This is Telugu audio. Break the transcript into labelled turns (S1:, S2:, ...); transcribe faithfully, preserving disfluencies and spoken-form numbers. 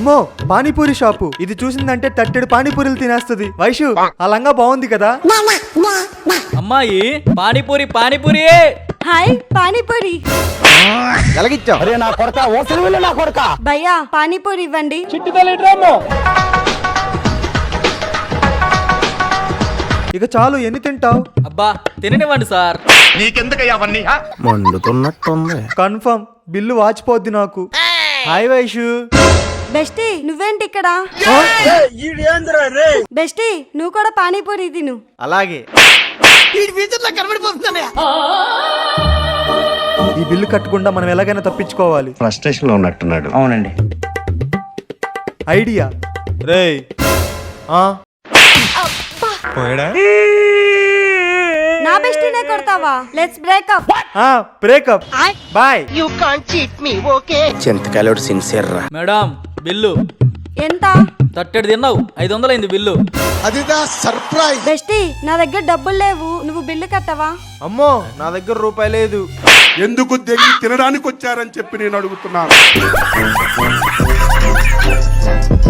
S1: అమ్మో పానీపూరి షాపు. ఇది చూసిందంటే తట్టెడు పానీపూరీలు తినేస్తుంది. వైషు ఆ లంగా బాగుంది కదా.
S2: అమ్మాయి పానీపూరి పానీపూరి.
S3: హాయ్ పానీపూరి.
S4: ఎలాగిచ్చావు? అరే నా కొడక ఓసలి వెళ్ళి నా కొడక.
S3: భయ్యా పానీపూరి ఇవ్వండి.
S4: చిట్టి తల్లి డ్రామో.
S1: ఇక చాలు, ఎన్ని తింటావు?
S2: అబ్బా తిననివ్వండి సార్.
S5: నీకెందుకయ్యా అవన్నీ?
S4: మండుతున్నట్టుంది.
S1: కన్ఫర్మ్ బిల్లు వాచిపోద్ది నాకు. హాయ్ వైషు.
S3: బెస్టీ నువ్వేంటి ఇక్కడ? బెస్టీ నువ్వు కూడా పానీపూరి తిను.
S1: అలాగే. ఈ బిల్లు కట్టకుండా మనం ఎలాగైనా తప్పించుకోవాలి.
S5: ఫ్రస్ట్రేషన్ లో ఉన్నట్టున్నాడు.
S4: అవునండి.
S1: ఐడియా. రేయ్ ఆ
S3: నా బెస్టీనే కొడతావా? Let's breakup.
S1: ఆ బ్రేకప్. బాయ్.
S4: చింతకాయలు సిన్సియర్ రా.
S2: మేడం బిల్లు
S3: ఎంత?
S2: తట్టెడు తిన్నావు, ఐదు వందలైంది బిల్లు.
S3: బెస్టీ నా దగ్గర డబ్బులు లేవు, నువ్వు బిల్లు కట్టవా?
S1: అమ్మో నా దగ్గర రూపాయి లేదు.
S6: ఎందుకు దెంగి తినడానికి వచ్చారని చెప్పి నేను అడుగుతున్నాను.